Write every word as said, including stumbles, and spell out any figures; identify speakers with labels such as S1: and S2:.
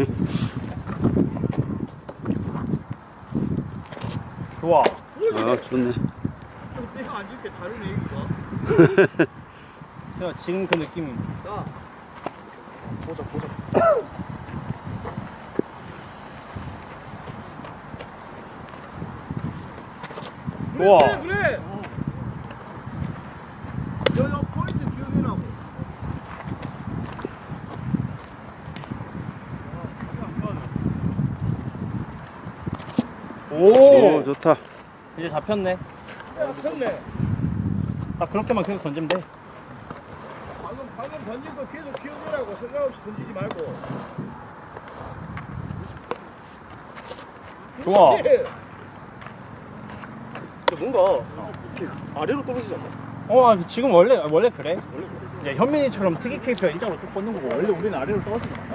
S1: 좋아.
S2: 아, 좋네.
S3: 내가 안 줄게 다른 얘기가.
S1: 야, 지금 그 느낌.
S3: 자, 보자 보자.
S1: 좋아.
S3: 그래 그래. 여여 포인트 기억해라고.
S1: 오,
S2: 오, 좋다.
S1: 이제 잡혔네.
S3: 야, 폈네.
S1: 딱 그렇게만 계속 던지면 돼.
S3: 방금 방금 던진 거 계속 기억해라고. 생각 없이 던지지 말고.
S1: 좋아.
S3: 그렇지. 뭔가 이렇게 아래로 떨어지지 않나?
S1: 어, 아, 지금 원래 원래 그래.
S3: 원래 그래.
S1: 이제 현민이처럼 특이 케이스가 일자로 뚝 뻗는 거고 원래 우리는 아래로 떨어지잖아.